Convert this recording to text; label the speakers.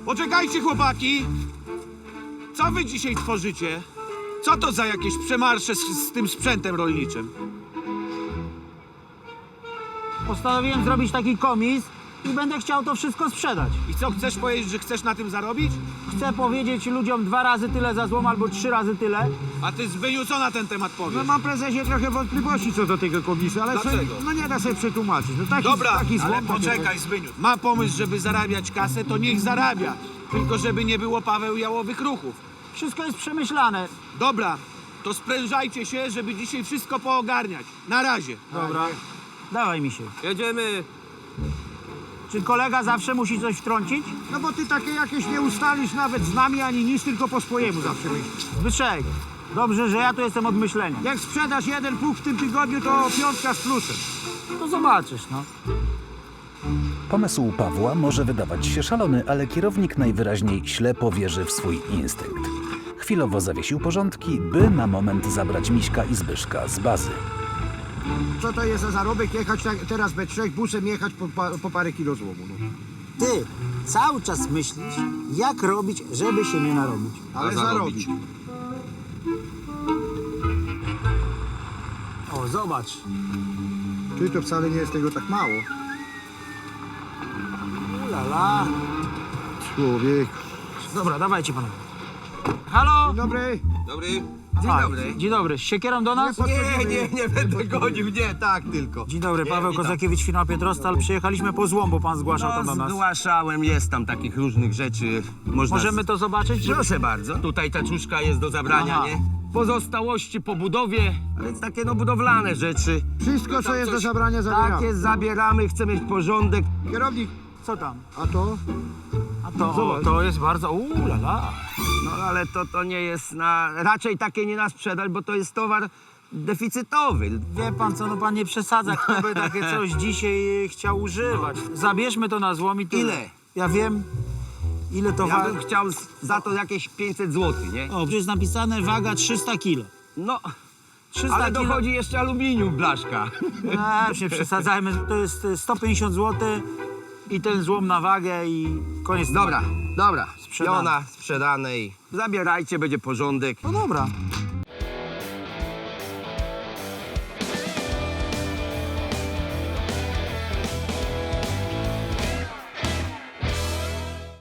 Speaker 1: Poczekajcie, chłopaki! Co wy dzisiaj tworzycie? Co to za jakieś przemarsze z tym sprzętem rolniczym?
Speaker 2: Postanowiłem zrobić taki komis i będę chciał to wszystko sprzedać.
Speaker 1: I co, chcesz powiedzieć, że chcesz na tym zarobić?
Speaker 2: Chcę powiedzieć ludziom 2 razy tyle za złom albo 3 razy tyle.
Speaker 1: A ty, Zbyniu, co na ten temat powiesz?
Speaker 3: No mam, prezesie, trochę wątpliwości co do tego komisu, ale
Speaker 1: Dlaczego?
Speaker 3: sobie, no nie da sobie przetłumaczyć. No taki,
Speaker 1: Dobra,
Speaker 3: taki złom,
Speaker 1: ale poczekaj, Zbyniu. Ma pomysł, żeby zarabiać kasę, to niech zarabia. Tylko żeby nie było Paweł Jałowych ruchów.
Speaker 2: Wszystko jest przemyślane.
Speaker 1: Dobra, to sprężajcie się, żeby dzisiaj wszystko poogarniać. Na razie.
Speaker 2: Dobra. Dawaj mi się.
Speaker 4: Jedziemy.
Speaker 2: Czy kolega zawsze musi coś wtrącić?
Speaker 3: No bo ty takie jakieś nie ustalisz nawet z nami ani nic, tylko po swojemu zawsze myślisz.
Speaker 2: Zbyszek, dobrze, że ja tu jestem od myślenia.
Speaker 3: Jak sprzedasz 1 pług w tym tygodniu, to 5 z plusem.
Speaker 2: To zobaczysz, no.
Speaker 5: Pomysł Pawła może wydawać się szalony, ale kierownik najwyraźniej ślepo wierzy w swój instynkt. Chwilowo zawiesił porządki, by na moment zabrać Miśka i Zbyszka z bazy.
Speaker 3: Co to jest za zarobek jechać teraz we 3 busem jechać po parę kilo złomu? No.
Speaker 2: Ty cały czas myślisz, jak robić, żeby się nie narobić.
Speaker 3: Ale zarobić.
Speaker 2: O, zobacz.
Speaker 3: Ty, to wcale nie jest tego tak mało.
Speaker 2: Ulala.
Speaker 3: Człowiek.
Speaker 2: Dobra, dawajcie panowie. Halo?
Speaker 3: Dzień dobry.
Speaker 4: Dobry. Dzień
Speaker 2: A,
Speaker 4: dobry.
Speaker 2: Dzień dobry. Z siekierą do nas?
Speaker 4: Nie będę godził, nie, tak tylko.
Speaker 2: Dzień dobry, Paweł
Speaker 4: witam.
Speaker 2: Kozakiewicz, firma Pietrostal. Przyjechaliśmy po złom, bo pan zgłaszał to do
Speaker 4: No,
Speaker 2: nas.
Speaker 4: zgłaszałem, jest tam takich różnych rzeczy. Można
Speaker 2: Możemy to zobaczyć?
Speaker 4: Proszę bardzo. Tutaj taczuszka jest do zabrania,
Speaker 2: Aha.
Speaker 4: nie? Pozostałości po budowie, a więc takie no budowlane rzeczy.
Speaker 3: Wszystko, co
Speaker 4: Tam
Speaker 3: jest do
Speaker 4: coś
Speaker 3: zabrania, zabieramy.
Speaker 4: Takie zabieramy, chcemy mieć porządek.
Speaker 3: Kierownik,
Speaker 2: Co tam?
Speaker 3: a to?
Speaker 2: A to,
Speaker 3: Zobacz.
Speaker 2: to jest bardzo... Ulala.
Speaker 4: No ale to nie jest raczej takie nie na sprzedaż, bo to jest towar deficytowy.
Speaker 2: Wie pan co, no pan nie przesadza, kto by takie coś dzisiaj chciał używać. Zabierzmy to na złom i tyle.
Speaker 4: Ile?
Speaker 2: Ja wiem, ile to
Speaker 4: Ja
Speaker 2: waga.
Speaker 4: bym chciał za to jakieś 500 zł, nie?
Speaker 2: O, tu jest napisane waga 300 kilo.
Speaker 4: No,
Speaker 2: 300
Speaker 4: ale
Speaker 2: kilo.
Speaker 4: dochodzi jeszcze aluminium, blaszka.
Speaker 2: Już nie przesadzajmy, to jest 150 zł i ten złom na wagę i koniec.
Speaker 4: Dobra,
Speaker 2: Sprzedane.
Speaker 4: Piona sprzedane i zabierajcie, będzie porządek.
Speaker 2: No dobra.